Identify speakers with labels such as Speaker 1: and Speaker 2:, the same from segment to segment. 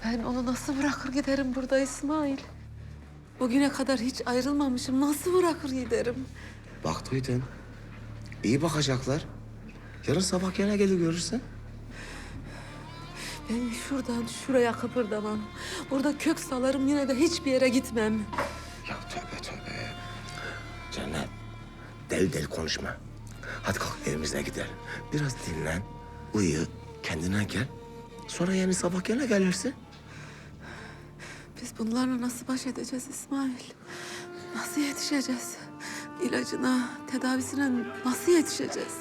Speaker 1: Ben onu nasıl bırakır giderim burada İsmail? Bugüne kadar hiç ayrılmamışım. Nasıl bırakır giderim?
Speaker 2: Bak duydun. İyi bakacaklar. Yarın sabah gene gelir görürsün.
Speaker 1: Ben şuradan şuraya kıpırdamam. Burada kök salarım, yine de hiçbir yere gitmem.
Speaker 2: Ya tövbe tövbe. Cennet, deli deli konuşma. Hadi kalk evimize gidelim. Biraz dinlen, uyu, kendine gel. Sonra yarın sabah gene gelirsin.
Speaker 1: Biz bunlarla nasıl baş edeceğiz İsmail? Nasıl yetişeceğiz? İlacına, tedavisine nasıl yetişeceğiz?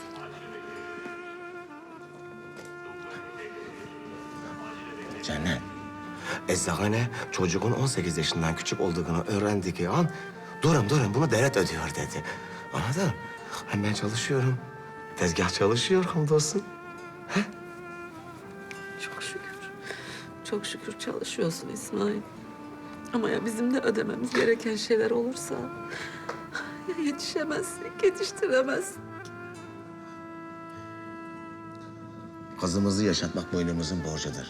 Speaker 2: Cennet, eczane çocuğun 18 yaşından küçük olduğunu öğrendiği an durun bunu devlet ödüyor dedi. Anladın? Hem ben çalışıyorum. Tezgah çalışıyor hamdolsun.
Speaker 1: Çok şükür. Çok şükür çalışıyorsun İsmail. Ama ya bizim de ödememiz gereken şeyler olursa... ya yetişemezsek, yetiştiremezsek.
Speaker 2: Kızımızı yaşatmak boynumuzun borcudur.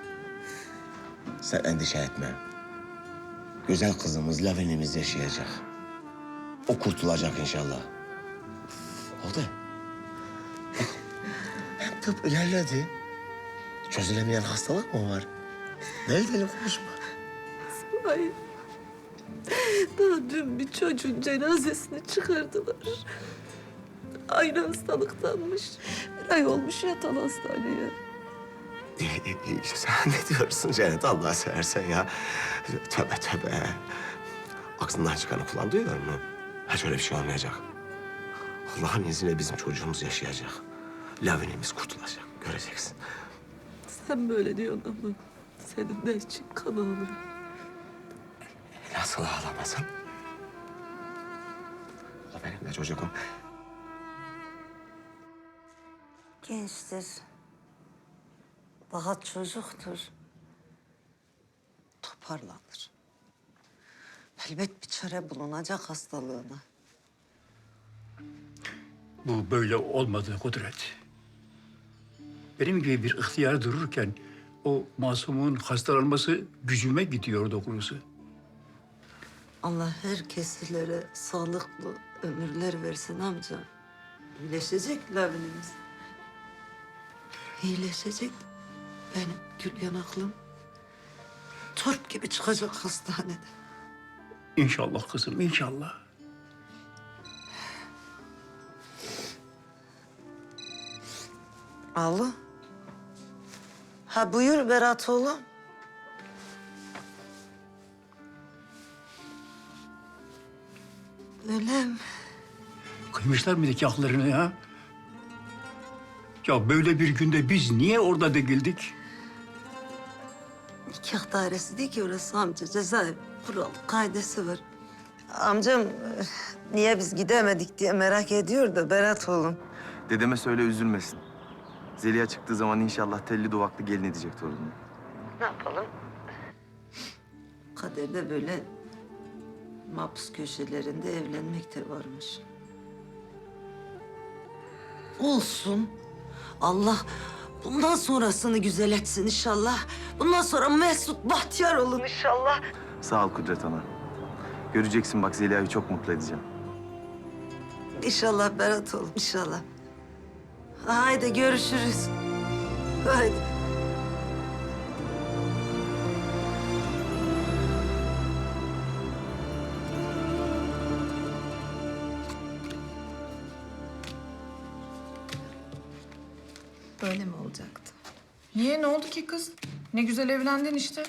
Speaker 2: Sen endişe etme. Güzel kızımız Lavinimiz yaşayacak. O kurtulacak inşallah. Oldu. Bak, hem tıp ilerledi. Çözülemeyen hastalık mı var? Deli deli konuşma.
Speaker 1: İsmail. Daha dün bir çocuğun cenazesini çıkardılar. Aynı hastalıktanmış. Bir ay olmuş yatalı hastaneye.
Speaker 2: Sen ne diyorsun Cennet Allah seversen ya? Tövbe tövbe. Aklından çıkanı kulağın duyuyor mu? Hiç öyle bir şey olmayacak. Allah'ın izniyle bizim çocuğumuz yaşayacak. Lavinimiz kurtulacak. Göreceksin.
Speaker 1: Sen böyle diyorsun ama senin de için kan ağlıyor.
Speaker 2: Nasıl ağlamasın? O benim de çocuğum.
Speaker 3: Gençtir. Daha çocuktur. Toparlanır. Elbet bir çare bulunacak hastalığına.
Speaker 4: Bu böyle olmadı Kudret. Benim gibi bir ihtiyar dururken o masumun hastalanması gücüme gidiyor doğrusu.
Speaker 3: Allah herkeslere sağlıklı ömürler versin amca. İyileşecek Lavinimiz. İyileşecek. Benim gül yanaklım turp gibi çıkacak hastanede.
Speaker 4: İnşallah kızım, inşallah.
Speaker 3: Alo. Ha buyur Berat oğlum. Öyle mi?
Speaker 4: Kıymışlar mı nikahlarını ya? Ya böyle bir günde biz niye orada değildik?
Speaker 3: Nikah dairesi değil ki orası amca. Cezaevi kural, kaidesi var. Amcam niye biz gidemedik diye merak ediyor da Berat oğlum.
Speaker 5: Dedeme söyle üzülmesin. Zeliha çıktığı zaman inşallah telli duvaklı gelin edecek torununu.
Speaker 3: Ne yapalım? Kaderde böyle mahpus köşelerinde evlenmek de varmış. Olsun. Allah bundan sonrasını güzel etsin inşallah. Bundan sonra mesut, bahtiyar olun inşallah.
Speaker 5: Sağ ol Kudret Ana. Göreceksin bak Zeliha'yı çok mutlu edeceğim.
Speaker 3: İnşallah Berat oğlum, inşallah. Haydi görüşürüz. Haydi.
Speaker 6: Böyle mi olacaktı? Niye? Ne oldu ki kız? Ne güzel evlendin işte.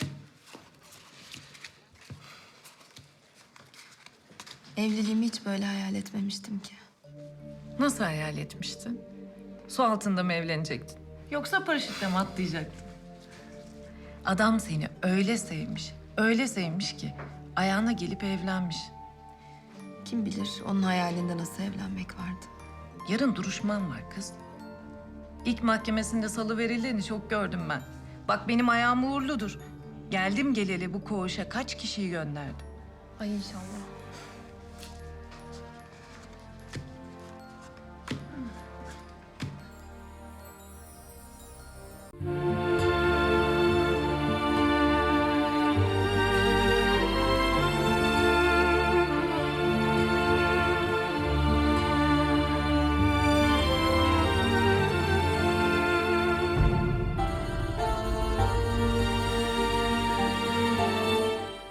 Speaker 7: Evliliğimi hiç böyle hayal etmemiştim ki.
Speaker 6: Nasıl hayal etmiştin? Su altında mı evlenecektin? Yoksa paraşütle mi atlayacaktın? Adam seni öyle sevmiş ki ayağına gelip evlenmiş.
Speaker 7: Kim bilir onun hayalinde nasıl evlenmek vardı.
Speaker 6: Yarın duruşman var kız. İlk mahkemesinde salıverildiğini çok gördüm ben. Bak benim ayağım uğurludur. Geldim geleli bu koğuşa kaç kişiyi gönderdim.
Speaker 7: Ay inşallah.